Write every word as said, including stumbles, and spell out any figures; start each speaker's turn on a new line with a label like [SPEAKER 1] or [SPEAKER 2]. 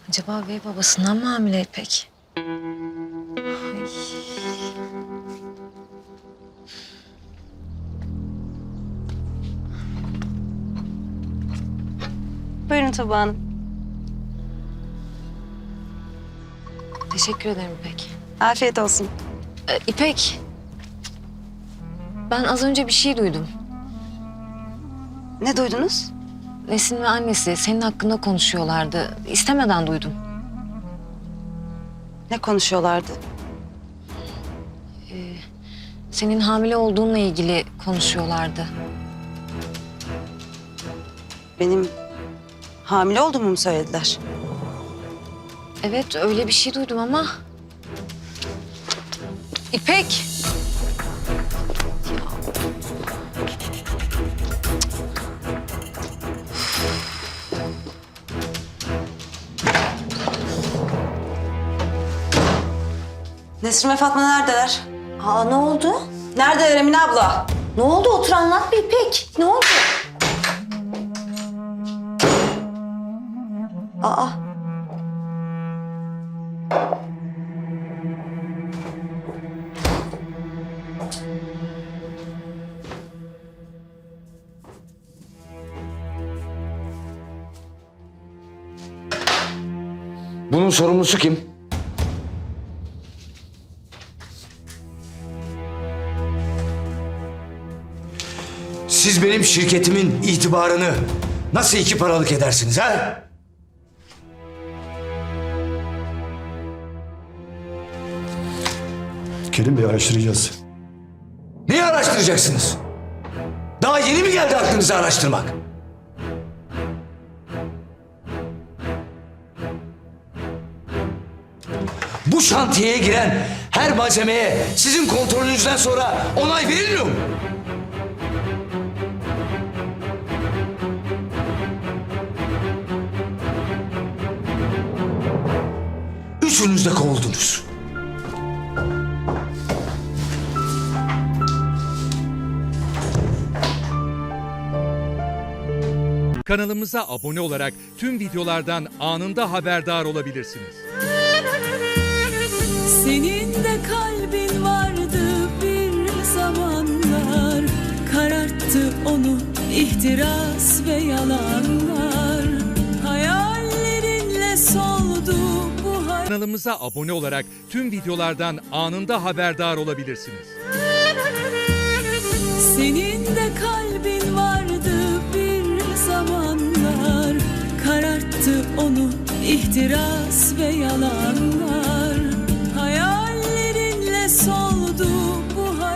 [SPEAKER 1] Acaba bey babasından mı hamile İpek? Ay.
[SPEAKER 2] Buyurun Tuba Hanım.
[SPEAKER 1] Teşekkür ederim İpek.
[SPEAKER 2] Afiyet olsun.
[SPEAKER 1] Ee, İpek. Ben az önce bir şey duydum.
[SPEAKER 2] Ne duydunuz?
[SPEAKER 1] Nesin ve annesi senin hakkında konuşuyorlardı. İstemeden duydum.
[SPEAKER 2] Ne konuşuyorlardı?
[SPEAKER 1] Senin hamile olduğunla ilgili konuşuyorlardı.
[SPEAKER 2] Benim hamile olduğumu mu söylediler?
[SPEAKER 1] Evet, öyle bir şey duydum ama... İpek!
[SPEAKER 2] Nesrin ve Fatma neredeler?
[SPEAKER 3] Aa ne oldu?
[SPEAKER 2] Neredeler Emine abla?
[SPEAKER 3] Ne oldu? Otur anlat bir İpek. Ne oldu? Aa.
[SPEAKER 4] Bunun sorumlusu kim? Siz benim şirketimin itibarını nasıl iki paralık edersiniz ha?
[SPEAKER 5] Kerim Bey, araştıracağız.
[SPEAKER 4] Neyi araştıracaksınız? Daha yeni mi geldi aklınıza araştırmak? Bu şantiyeye giren her malzemeye sizin kontrolünüzden sonra onay verilmiyor mu? Üçünüz de kovuldunuz.
[SPEAKER 6] Kanalımıza abone olarak tüm videolardan anında haberdar olabilirsiniz.
[SPEAKER 7] Senin de kalbin vardı bir zamanlar, kararttı onu ihtiras ve yalanlar. Hayallerinle soldu bu hayat.
[SPEAKER 6] Kanalımıza abone olarak tüm videolardan anında haberdar olabilirsiniz.
[SPEAKER 7] Senin de kalbin vardı bir zamanlar, kararttı onu ihtiras ve yalanlar.